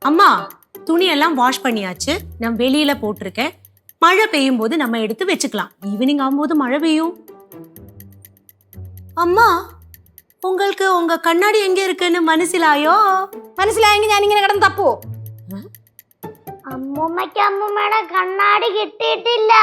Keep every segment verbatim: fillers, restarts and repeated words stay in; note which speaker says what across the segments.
Speaker 1: அம்மா துணி எல்லாம் வாஷ் பண்ணியாச்சு. நான் வெளியில போட்டிருக்கேன். மழை பெய்யும் போது நம்ம எடுத்து வச்சுக்கலாம். ஈவினிங் ஆகும்போது மழை பெய்யும். அம்மா உங்களுக்கு உங்க கண்ணாடி எங்க இருக்குன்னு മനസ്സിലായോ?
Speaker 2: മനസ്സിലായെങ്കിൽ ഞാൻ ഇങ്ങനെ കിടന്ന് തപ്പോ?
Speaker 3: അമ്മൂമ്മയ്ക്ക് അമ്മൂമ്മയുടെ കണ്ണാടി കിട്ടിയിട്ടില്ല.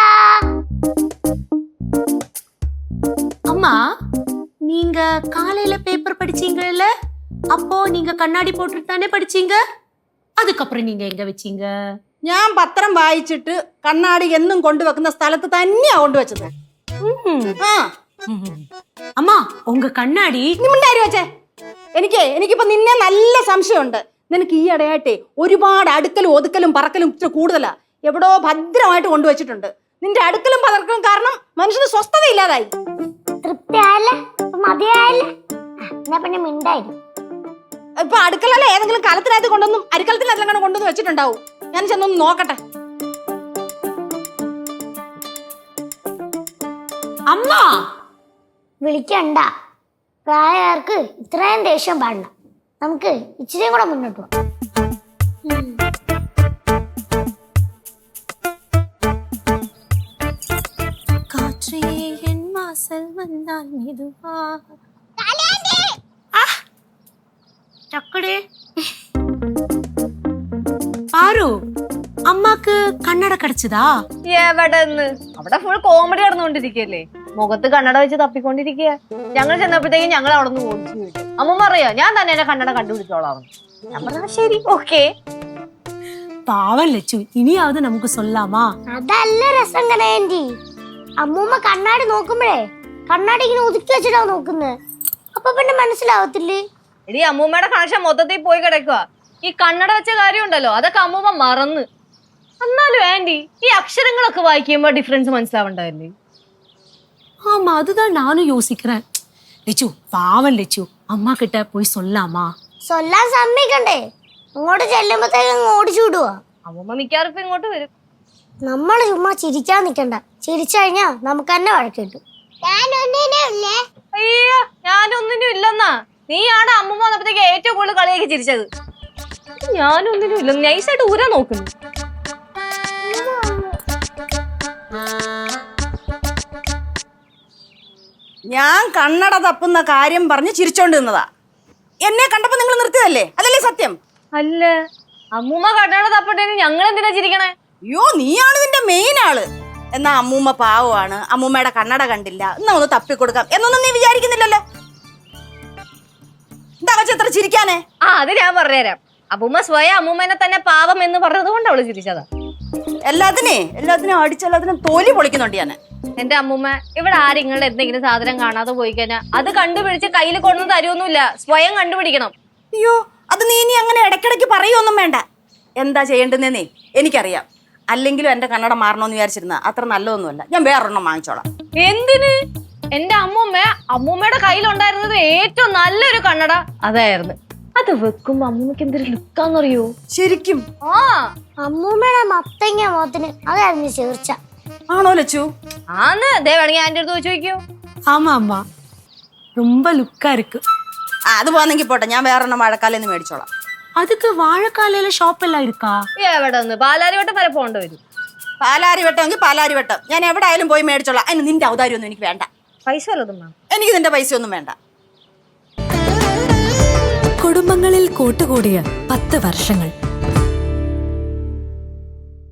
Speaker 1: அம்மா நீங்க காலையில பேப்பர் படிச்சீங்கல்ல, அப்போ நீங்க கண்ணாடி போட்டுட்டு தானே படிச்சீங்க. அதுக்கப்புறம் நீங்க எங்க வச்சீங்க?
Speaker 2: ഞാൻ പത്രം വായിച്ചിട്ട് കണ്ണാടി എന്നും കൊണ്ടുവെക്കുന്ന സ്ഥലത്ത് തന്നെയാ കൊണ്ടുവച്ചത്. ആ
Speaker 1: അമ്മ ഉങ്ക കണ്ണാടി
Speaker 2: നിമിണ്ടാരി വെച്ചേ. എനിക്ക് എനിക്കിപ്പോ നിന്നെ നല്ല സംശയമുണ്ട്. നിനക്ക് ഈ ഇടയായിട്ടേ ഒരുപാട് അടുക്കലും ഒതുക്കലും പറക്കലും ഇച്ചിരി കൂടുതലാ. എവിടോ ഭദ്രമായിട്ട് കൊണ്ടുവച്ചിട്ടുണ്ട്. നിന്റെ അടുക്കലും പറക്കലും കാരണം മനുഷ്യന് സ്വസ്ഥത ഇല്ലാതായി.
Speaker 3: തൃപ്തിയായല്ലേ? മതിയായല്ലേ? എന്നാ പിന്നെ മിണ്ടായിരുന്നു.
Speaker 2: ഇപ്പൊ അടുക്കളല്ല ഏതെങ്കിലും കലത്തിനകത്ത് കൊണ്ടൊന്നും അരിക്കലത്തിനകത്ത് കൊണ്ടൊന്നും വെച്ചിട്ടുണ്ടാവും. ഞാൻ ചെന്നൊന്ന് നോക്കട്ടെ.
Speaker 1: അമ്മ
Speaker 3: വിളിക്കണ്ട. പ്രായക്കാർക്ക് ഇത്രയും ദേഷ്യം പാടില്ല. നമുക്ക് ഇച്ചിരിയും കൂടെ മുന്നോട്ട് പോകാം.
Speaker 1: കാറ്റേ എൻ വാസൽ വന്നാൽ മെതുവാ. ചക്കടേ പാറു അമ്മക്ക് കണ്ണട കടിച്ചതാ?
Speaker 4: എവിടെ അവിടെ ഫുൾ കോമഡി നടന്നുകൊണ്ടിരിക്കല്ലേ. മുഖത്ത് കണ്ണട വെച്ച് തപ്പിക്കൊണ്ടിരിക്കുക. ഞങ്ങൾ ചെന്നപ്പോഴത്തേക്കും ഞങ്ങൾ അവിടെ നിന്ന് ഓടിച്ചു വിട്ടു. അമ്മ പറയാ ഞാൻ തന്നെ എന്നെ കണ്ണട കണ്ടുപിടിച്ചോളാം. ഞാൻ പറഞ്ഞ ശരി ഓക്കെ.
Speaker 1: പാവം ലച്ചു, ഇനിയാவது നമുക്ക് സൊല്ലാമാ?
Speaker 3: അതല്ല രസം കനേന്റി. അമ്മൂമ്മ കണ്ണാടി നോക്കുമ്പോഴേ കണ്ണാടി ഇങ്ങനെ ഒതുക്കി വെച്ചിട്ടാ നോക്കുന്നത്. അപ്പൊ പിന്നെ മനസ്സിലാവത്തില്ലേ?
Speaker 4: എടി അമ്മൂമ്മയുടെ കണക്ഷൻ മൊത്തത്തിൽ പോയി കിടക്കുക. ഈ കണ്ണട വെച്ച കാര്യം ഉണ്ടല്ലോ അതൊക്കെ അമ്മൂമ്മ മറന്ന്. എന്നാലും ആന്റി ഈ അക്ഷരങ്ങളൊക്കെ വായിക്കുമ്പോ ഡിഫറൻസ് മനസ്സിലാവണ്ടല്ലേ?
Speaker 1: ஆமா அதுதான் நானும் யோசிக்கிறேன். லெச்சு பாவம் லெச்சு, அம்மா கிட்ட போய் சொல்லாமா?
Speaker 3: സൊല്ലാൻ സമ്മതിക്കണ്ടേ? ഇങ്ങോട്ട് ചെല്ലുമ്പോഴത്തേക്കും ഓടിച്ചു വിടുവാ.
Speaker 4: അമ്മൂമ്മ മിക്കാറും ഇപ്പൊ ഇങ്ങോട്ട് വരും.
Speaker 3: നമ്മള് ചുമ്മാ ചിരിക്കാൻ നിക്കണ്ട. ചിരിച്ചു കഴിഞ്ഞാ നമുക്ക് തന്നെ വഴക്ക് കിട്ടും.
Speaker 4: അയ്യോ ഞാനൊന്നിനും ഇല്ലെന്നാ. നീയാണ് അമ്മൂമ്മ വന്നപ്പോഴത്തേക്ക് ഏറ്റവും കൂടുതൽ കളിയാക്കി ചിരിച്ചത്. ഞാനൊന്നിനും ഇല്ലെന്ന് നൈസായിട്ട് ഊരാ നോക്കുന്നു.
Speaker 2: ഞാൻ കണ്ണട തപ്പുന്ന കാര്യം പറഞ്ഞ് ചിരിച്ചോണ്ട് നിന്നതാ. എന്നെ കണ്ടപ്പോ നിങ്ങൾ നിർത്തിയതല്ലേ? അതല്ലേ സത്യം?
Speaker 4: അല്ല അമ്മൂമ്മ കണ്ണട തപ്പട്ടേന് ഞങ്ങൾ എന്തിനാ ചിരിക്കണേ?
Speaker 2: അയ്യോ നീയാണ് ഇതിന്റെ മെയിൻ ആള്. എന്നാ അമ്മൂമ്മ പാവമാണ്, അമ്മൂമ്മയുടെ കണ്ണട കണ്ടില്ല, എന്നാ ഒന്ന് തപ്പിക്കൊടുക്കാം എന്നൊന്നും നീ വിചാരിക്കുന്നില്ലല്ലോ. എന്താ വെച്ച എത്ര ചിരിക്കാനേ?
Speaker 4: ആ അത് ഞാൻ പറഞ്ഞുതരാം. അമ്മൂമ്മ സ്വയം അമ്മൂമ്മനെ തന്നെ പാവം എന്ന് പറഞ്ഞത് കൊണ്ട് അവള് ചിരിച്ചതാ.
Speaker 2: എല്ലാത്തിനെ എല്ലാത്തിനും അടിച്ചെല്ലാത്തിനും തോലി പൊളിക്കുന്നുണ്ട് ഞാൻ.
Speaker 4: എന്റെ അമ്മൂമ്മ ഇവിടെ ആരെങ്കിലും എന്തെങ്കിലും സാധനം കാണാതെ പോയി കഴിഞ്ഞാൽ അത് കണ്ടുപിടിച്ച് കയ്യിൽ കൊണ്ടു തരുമൊന്നുമില്ല. സ്വയം കണ്ടുപിടിക്കണം.
Speaker 2: അയ്യോ അത് നീ ഇനി അങ്ങനെ ഇടയ്ക്കിടയ്ക്ക് പറയുമൊന്നും വേണ്ട. എന്താ ചെയ്യേണ്ടതെന്നേ എനിക്കറിയാം. അല്ലെങ്കിലും എന്റെ കണ്ണട മാറണമെന്ന് വിചാരിച്ചിരുന്ന അത്ര നല്ലതൊന്നുമല്ല. ഞാൻ വേറൊരെണ്ണം വാങ്ങിച്ചോളാം.
Speaker 4: എന്തിന്? എന്റെ അമ്മൂമ്മ അമ്മൂമ്മയുടെ കയ്യിലുണ്ടായിരുന്നത് ഏറ്റവും നല്ലൊരു കണ്ണട അതായിരുന്നു. അത് വെക്കുമ്പോ അമ്മൂമ്മക്ക് എന്തൊരു ലുക്കാന്നറിയോ?
Speaker 2: ശരിക്കും?
Speaker 4: ആ
Speaker 3: അമ്മൂമ്മയുടെ മത്തങ്ങ മുഖത്തിന് അതായിരുന്നു ചേർച്ച.
Speaker 2: ആണോ ലച്ചു?
Speaker 4: ആന്ന് ദേ വേണമെങ്കിൽ ആന്റെ അടുത്ത് വെച്ച് ചോദിക്കോ.
Speaker 1: ஆமா அம்மா ரொம்ப லுக்கா இருக்கு.
Speaker 2: ആ അത് പോന്നെങ്കിൽ പോട്ടെ, ഞാൻ വേറൊരെണ്ണം മഴക്കാലെന്ന് മേടിച്ചോളാം.
Speaker 1: அதுக்கு வாழைக்காலையில ஷாப் எல்லாம் இருக்கா?
Speaker 4: എവിടെ ഒന്ന് പാലാരിവട്ടം വരെ പോകേണ്ട വരും.
Speaker 2: പാലാരി വെട്ടമെങ്കിൽ പാലാരി വെട്ടം ഞാൻ എവിടെ ആയാലും പോയി മേടിച്ചോളാം. അതിന് നിന്റെ ഔദാര്യമൊന്നും എനിക്ക് വേണ്ട.
Speaker 4: പൈസ വല്ലതും വേണം?
Speaker 2: എനിക്ക് നിന്റെ പൈസ ഒന്നും വേണ്ട.
Speaker 5: കുടുംബങ്ങളിൽ കൂട്ടുകൂടിയ പത്ത് വർഷങ്ങൾ